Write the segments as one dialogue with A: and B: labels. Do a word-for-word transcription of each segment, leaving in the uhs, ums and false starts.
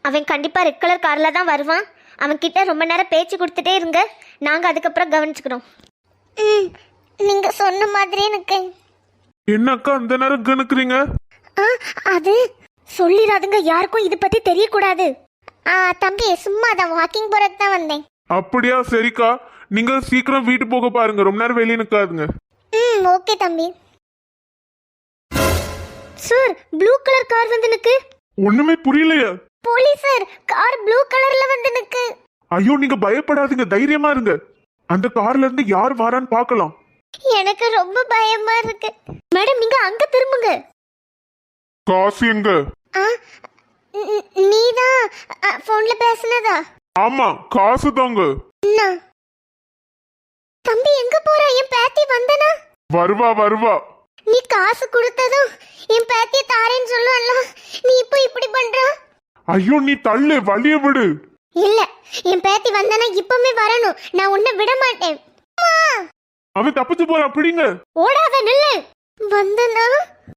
A: அவன் கண்டிப்பா red colour கார்ல தான் வருவான். அவன் கிட்ட ரொம்ப நேரம் பேச்சு கொடுத்துட்டே இருங்க, நாங்க அதுக்கப்புறம் கவனிச்சுக்கிறோம். ம், நீங்க சொன்ன மாதிரி எனக்கு.
B: என்னக்கா அந்த நேரம் கணக்குறீங்க?
A: அது சொல்லிடாதுங்க, யாருக்கும் இது பத்தி தெரியக்கூடாது. தம்பி சும்மா தான் வாக்கிங் போறதுக்கு தான் வந்தேன்.
B: அப்படியா, சரிக்கா. நீங்க சீக்கிரம் வீட்டு போக பாருங்க, ரொம்ப நேரம் வெளியே நிக்காதுங்க.
A: ம், ஓகே தம்பி. சார், ப்ளூ கலர் கார் வந்து நிக்கு.
B: ஒண்ணுமே புரியலையா?
A: போலீஸ் சார், கார் ப்ளூ கலர்ல வந்து நிக்கு.
B: ஐயோ, நீங்க பயப்படாதீங்க, தைரியமா இருங்க. அந்த கார்ல இருந்து யார் வரான்னு பார்க்கலாம்.
A: எனக்கு ரொம்ப பயமா இருக்கு. மேடம், நீங்க அங்க திரும்புங்க.
B: காசு எங்க?
A: நீதான் போன்ல பேசுனதா?
B: ஆமா, காசு தாங்க.
A: தம்பி எங்க போற? என் பேத்தி வந்தனா?
B: வருவா வருவா.
A: நீ காசு கொடுத்ததும் என் பேத்திய தாரேன்னு சொல்லுவல்ல, நீ இப்போ இப்படி பண்ற?
B: ஐயோ, நீ தள்ளு, வழிய விடு.
A: இல்ல, என் பேத்தி வந்தனா இப்பமே வரணும், நான் உன்னை விட மாட்டேன்.
B: அவன் தப்பிச்சு போறான், பிடிங்க.
A: ஓடாத, நில்லு. வந்தனா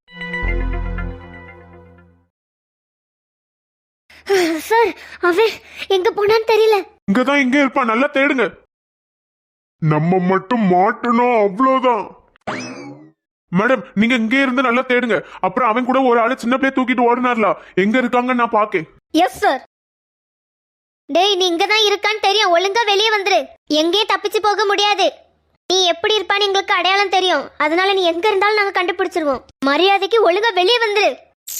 A: சார், அவன் எங்க போனான்னு தெரியல.
B: இங்கதான் இங்க இருப்பான், நல்லா தேடுங்க. நம்ம மட்டும் மாட்டணும், அவ்வளவுதான். மேடம், நீங்க இங்க இருந்து நல்லா தேடுங்க. அப்புறம் அவன் கூட ஒரு ஆளு சின்ன பிள்ளைய தூக்கிட்டு ஓடினார்ல, எங்க இருக்காங்க நான் பாக்கேன்.
A: Yes sir. டேய், நீ இங்க தான் இருக்கான்னு தெரியும், ஒழுங்கா வெளியே வந்துரு. எங்கேயும் தப்பிச்சு போக முடியாது. நீ எப்படி இருப்பான்னு எங்களுக்கு அடையாளம் தெரியும், அதனால நீ எங்க இருந்தாலும் நாங்க கண்டுபிடிச்சிருவோம். மரியாதைக்கு ஒழுங்கா வெளியே வந்துரு.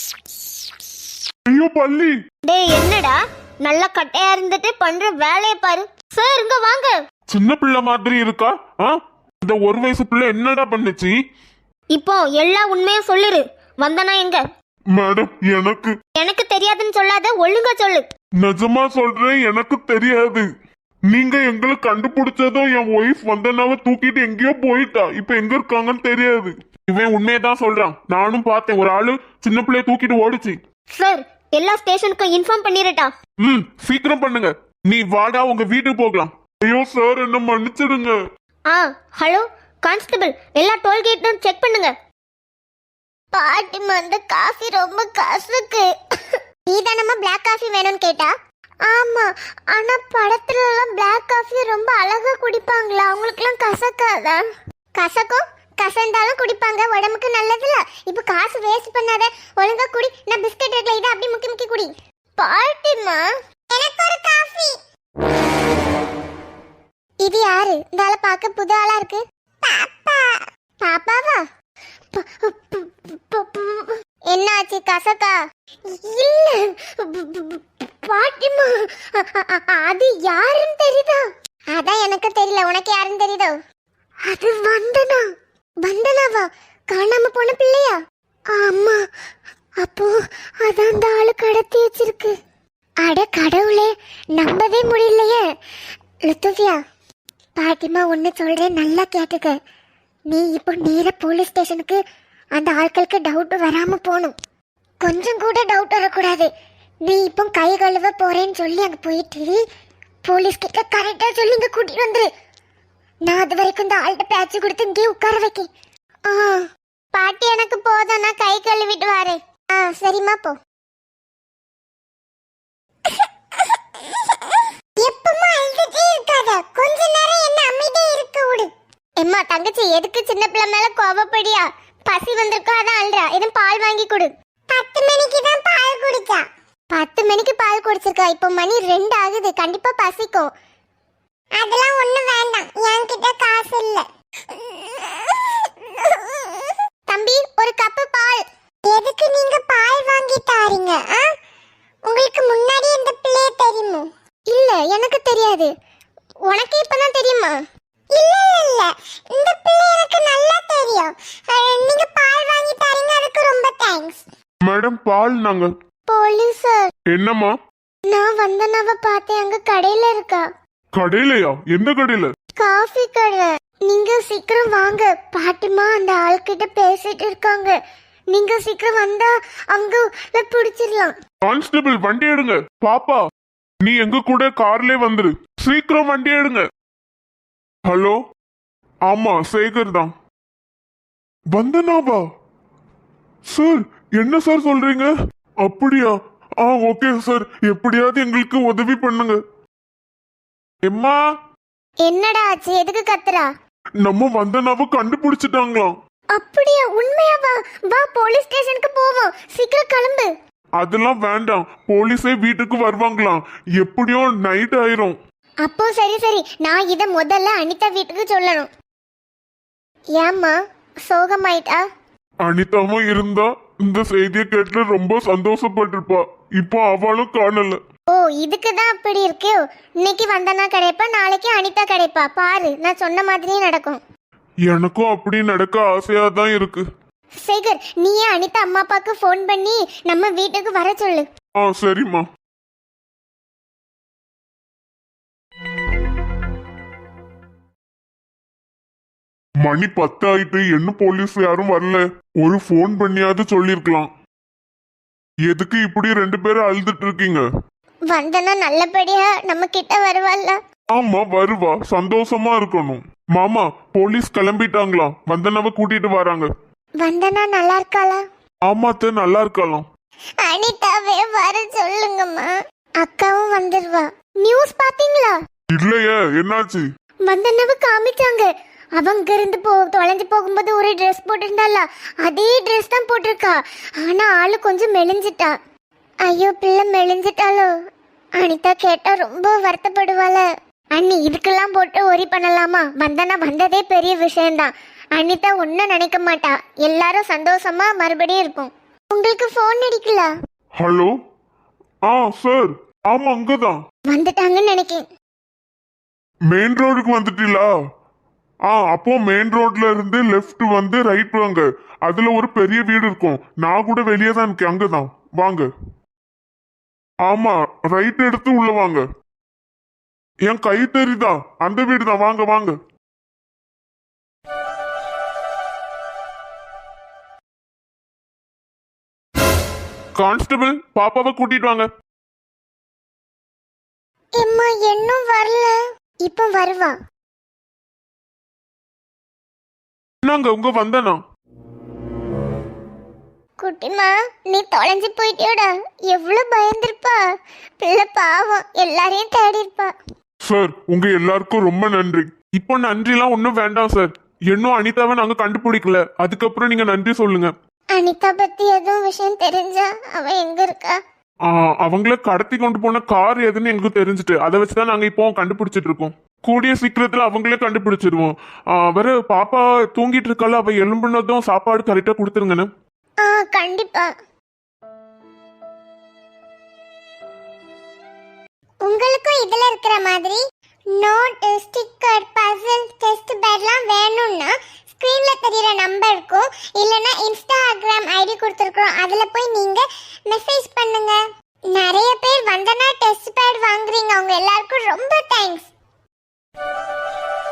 B: ஐயோ பள்ளி.
A: டேய், என்னடா நல்லா கட்டையா இருந்துட்டு பண்ற வேலையை பாரு. சார், இங்க வாங்க.
B: சின்ன பிள்ளை மாதிரி இருக்கா? இந்த ஒரு வயசு பிள்ளை என்னடா பண்ணுச்சு?
A: இப்போ எல்லா உண்மையும் சொல்லிரு. வந்தனா எங்க?
B: மேடம், எனக்கு
A: எனக்கு தெரியாதுன்னு சொல்லாத, ஒழுங்கா சொல்லு.
B: நிஜமா சொல்றேன், எனக்கு தெரியாது. நீங்க எங்களை கண்டுபிடிச்சதும் என் ஒய்ஃப் வந்தனாவ தூக்கிட்டு எங்கேயோ போயிட்டா. இப்ப எங்க இருக்காங்கன்னு தெரியாது. இவன் உண்மையதான் சொல்றான், நானும் பார்த்தேன். ஒரு ஆளு சின்ன பிள்ளைய தூக்கிட்டு ஓடிச்சு.
A: சார், எல்லா ஸ்டேஷனுக்கும் இன்ஃபார்ம் பண்ணிரட்டா?
B: ம், சீக்கிரம் பண்ணுங்க. நீ வாடா, உங்க வீட்டுக்கு போகலாம். ஐயோ சார், என்ன மன்னிச்சிடுங்க.
A: ஆ, ஹலோ கான்ஸ்டபிள், எல்லா டோல்கேட்டும் செக் பண்ணுங்க. பாட்டி அந்த காஃபி ரொம்ப கசக்கு. நீதானமா பிளாக் காஃபி வேணும்னு கேட்டா? ஆமா, ஆனா படத்துல எல்லாம் பிளாக் காஃபி ரொம்ப அழகா குடிப்பாங்களா, அவங்களுக்கு எல்லாம் கசக்காதா? கசக்கும், கசந்தாலும் குடிப்பாங்க, உடம்புக்கு நல்லதுல. இப்ப காசு வேஸ்ட் பண்ணாத, ஒழுங்கா குடி. நான் பிஸ்கட் இருக்குல, இதை அப்படி முக்கி முக்கி குடி. பாட்டிமா, எனக்கு ஒரு காஃபி. இது யாரு? இந்த ஆளை பார்க்க புது ஆளா இருக்கு. பாப்பா. பாப்பாவா? என்னாச்சு, கசக்கா? இல்ல பாட்டிமா, அது யாருன்னு தெரியுதா? அதான் எனக்கு தெரியல, உனக்கு யாருன்னு தெரியுதோ? அது வந்தனா. வந்தனாவா? காணாம போன பிள்ளையா? ஆமா. அப்போ அதான் அந்த ஆளு கடத்தி வச்சிருக்கு. அட கடவுளே, நம்பவே முடியலையே. லுத்துவியா, பாட்டிமா ஒன்னு சொல்றேன், நல்லா கேட்டுக்க. நீ இப்போ நேர போலீஸ் ஸ்டேஷனுக்கு அந்த ஆட்களுக்கு டவுட் வராம போகணும். கொஞ்சம் கூட டவுட் வரக்கூடாது. நீ இப்போ கை கழுவ போறேன்னு சொல்லி அங்க போயிட்டு போலீஸ் கிட்ட கரெக்டா சொல்லி இங்க கூட்டிட்டு வந்துரு. நான் அது வரைக்கும் இந்த ஆள்கிட்ட பேச்சு கொடுத்து இங்கே உட்கார வைக்க. ஆ பாட்டி, எனக்கு போதும், நான் கை கழுவிட்டு வரேன். ஆ சரிம்மா, போ. எப்பமா அழுதுட்டே இருக்காத, கொஞ்ச நேரம் என்ன அமைதியா இருக்க விடு. எம்மா தங்கச்சி, எதுக்கு சின்ன பிள்ளை மேல கோவப்படியா? பசி வந்திருக்கா, அதான் அழுறா. எதுவும் பால் வாங்கி கொடு. பத்து மணிக்கு தான் பால் குடிச்சா. பத்து மணிக்கு பால் குடிச்சிருக்கா, இப்போ மணி ரெண்டு ஆகுது, கண்டிப்பா பசிக்கும். அதெல்லாம் ஒண்ணு வேண்டாம், என்கிட்ட காசு இல்ல. தம்பி, ஒரு கப்பு பால். எதுக்கு நீங்க பால் வாங்கி தாரீங்க? உங்களுக்கு முன்னாடி இந்த பிள்ளைய தெரியுமா? இல்ல, எனக்கு தெரியாது. உனக்கு இப்பதான் தெரியுமா? இல்ல இல்ல, இந்த பிள்ளை எனக்கு நல்லா தெரியும். நீங்க பால் வாங்கி தரீங்க, அதுக்கு ரொம்ப தேங்க்ஸ்.
B: மேடம், பால் நாங்க.
A: Police sir.
B: என்னம்மா?
A: நான் வந்தனாவ பார்த்தேன், அங்க கடையில இருக்கா.
B: கடையிலயா? எந்த கடையில?
A: காஃபி கடை. நீங்க சீக்கிரம் வாங்க, பாட்டிமா அந்த ஆள்கிட்ட பேசிட்டு இருக்காங்க. நீங்க சீக்கிரம் வந்தா அங்க பிடிச்சிடலாம்.
B: கான்ஸ்டபிள், வண்டி எடுங்க. பாப்பா, நீ எங்க கூட கார்ல வந்துரு. சீக்கிரம் வண்டி எடுங்க. ஹலோ, ஆமா சேகர் தான். வந்தனாவா? சார், என்ன சார் சொல்றீங்க? அப்படியா? ஆ ஓகே சார், எப்படியாவது எங்களுக்கு உதவி பண்ணுங்க. எம்மா,
A: என்னடா ஆச்சு? எதுக்கு கத்துறா?
B: நம்ம வந்தனாவ கண்டுபிடிச்சிட்டாங்களாம்.
A: அப்படியா? உண்மையாவா? வா போலீஸ் ஸ்டேஷனுக்கு போவோம், சீக்கிரம் கிளம்பு.
B: அதெல்லாம் வேண்டாம், போலீஸே வீட்டுக்கு வருவாங்களாம், எப்படியோ நைட் ஆயிரும்.
A: அப்போ சரி சரி, நான் இத முதல்ல அனிதா வீட்டுக்கு சொல்லணும். ஏம்மா சோகமாயிட்டா?
B: அனிதாவும் இருந்தா இந்த செய்தியை கேட்டு ரொம்ப சந்தோஷப்பட்டிருப்பா. இப்போ அவளும் காணல.
A: ஓ, இதுக்கு தான் அப்படி இருக்கே. இன்னைக்கு வந்தனா கிடைப்பா, நாளைக்கு அனிதா கிடைப்பா. பாரு, நான் சொன்ன மாதிரியே நடக்கும்.
B: எனக்கும் அப்படி நடக்க ஆசையா தான் இருக்கு.
A: சேகர், நீயே அனிதா அம்மா அப்பாக்கு ஃபோன் பண்ணி நம்ம வீட்டுக்கு வர சொல்லு.
B: ஆ சரிம்மா. மணி பத்து ஆயிட்டு, என்ன போலீஸ் யாரும் வரல. ஒரு ஃபோன் பண்ணியாவது சொல்லிருக்கலாம். எதுக்கு இப்படி ரெண்டு பேரும் அழுதுட்டு இருக்கீங்க?
A: வந்தனா நல்லபடியா நம்ம கிட்ட வருவாள்ல?
B: ஆமா வருவா, சந்தோஷமா இருக்கணும். மாமா, போலீஸ் கிளம்பிட்டாங்களா, வந்தனவ கூட்டிட்டு வராங்க.
A: வந்தனா நல்லா இருக்காளா?
B: ஆமாத்த, நல்லா இருக்கலாம்.
A: அனிதாவே வர சொல்லுங்கம்மா. அக்காவும் வந்துருவா. நியூஸ் பாத்தீங்களா?
B: இல்லையே, என்னாச்சு?
A: வந்தனவ காமிச்சாங்க. அவங்க இருந்து போ தொலைஞ்சு போகும்போது ஒரு ட்ரெஸ் போட்டிருந்தால, அதே ட்ரெஸ் தான் போட்டிருக்கா. ஆனா ஆளு கொஞ்சம் மெலிஞ்சிட்டா. ஐயோ, பிள்ளை மெலிஞ்சிட்டாலோ? அனிதா கேட்டா ரொம்ப வருத்தப்படுவாள. அண்ணி, இதுக்கெல்லாம் போட்டு ஒரி பண்ணலாமா? வந்தனா வந்ததே பெரிய விஷயம்தான். அனிதா ஒன்னும் நினைக்க மாட்டா. எல்லாரும் சந்தோஷமா மறுபடியும் இருப்போம். உங்களுக்கு போன் அடிக்கல?
B: ஹலோ. ஆ சார், ஆமா அங்கதான்
A: வந்துட்டாங்கன்னு நினைக்கேன்.
B: மெயின் ரோடுக்கு வந்துட்டீங்களா? ஆ, அப்போ மெயின் ரோட்ல இருந்து லெஃப்ட் வந்து ரைட் வாங்க. அதுல ஒரு பெரிய வீடு இருக்கும். நான் கூட வெளியே தான் இருக்கேன், அங்கதான் வாங்க. ஆமா, ரைட் எடுத்து உள்ள வாங்க. என் கை தெரியுதா? அந்த வீடு தான், வாங்க வாங்க. கான்ஸ்டபிள், பாப்பாவை கூட்டிட்டு வாங்க.
A: எம்மா இன்னும் வரல. இப்போ வருவா.
B: என்னங்க உங்க வந்தனா?
A: குட்டிமா, நீ தொலைஞ்சு போயிட்டியோடா. எவ்வளவு பயந்திருப்பா. பிள்ளை பாவம், எல்லாரையும் தேடி இருப்பா.
B: சார், உங்க எல்லாருக்கும் ரொம்ப நன்றி. இப்போ நன்றிலாம் ஒன்றும் வேண்டாம் சார். இன்னும் அனிதாவை நாங்க கண்டுபிடிக்கல, அதுக்கப்புறம் நீங்க நன்றி சொல்லுங்க.
A: அனிதா பத்தி எதுவும் விஷயம் தெரிஞ்சா? அவ எங்க இருக்கா?
B: ஆ, அவங்கள கடத்தி கொண்டு போன கார் எதுன்னு எனக்கு தெரிஞ்சுட்டு, அதை வச்சுதான் நாங்க இப்போ கண்டுபிடிச்சிட்டு இருக்கோம். கூடிய சீக்கிரத்துல அவங்களே கண்டுபிடிச்சிருவோம். வேற பாப்பா தூங்கிட்டு இருக்கால, அவ எலும்புனதும் சாப்பாடு கரெக்டா கொடுத்துருங்கன்னு.
A: ஆ கண்டிப்பா. உங்களுக்கும் இதுல இருக்கிற மாதிரி நோட், ஸ்டிக்கர், பசில், டெஸ்ட் பேட்லாம் வேணும்னா ஸ்கிரீன்ல தெரியற நம்பருக்கும் இல்லனா இன்ஸ்டாகிராம் ஐடி கொடுத்துருக்கோம், அதுல போய் நீங்க மெசேஜ் பண்ணுங்க. நிறைய பேர் வந்தனா டெஸ்ட் பேட் வாங்குறீங்க, அவங்க எல்லாருக்கும் ரொம்ப தேங்க்ஸ்.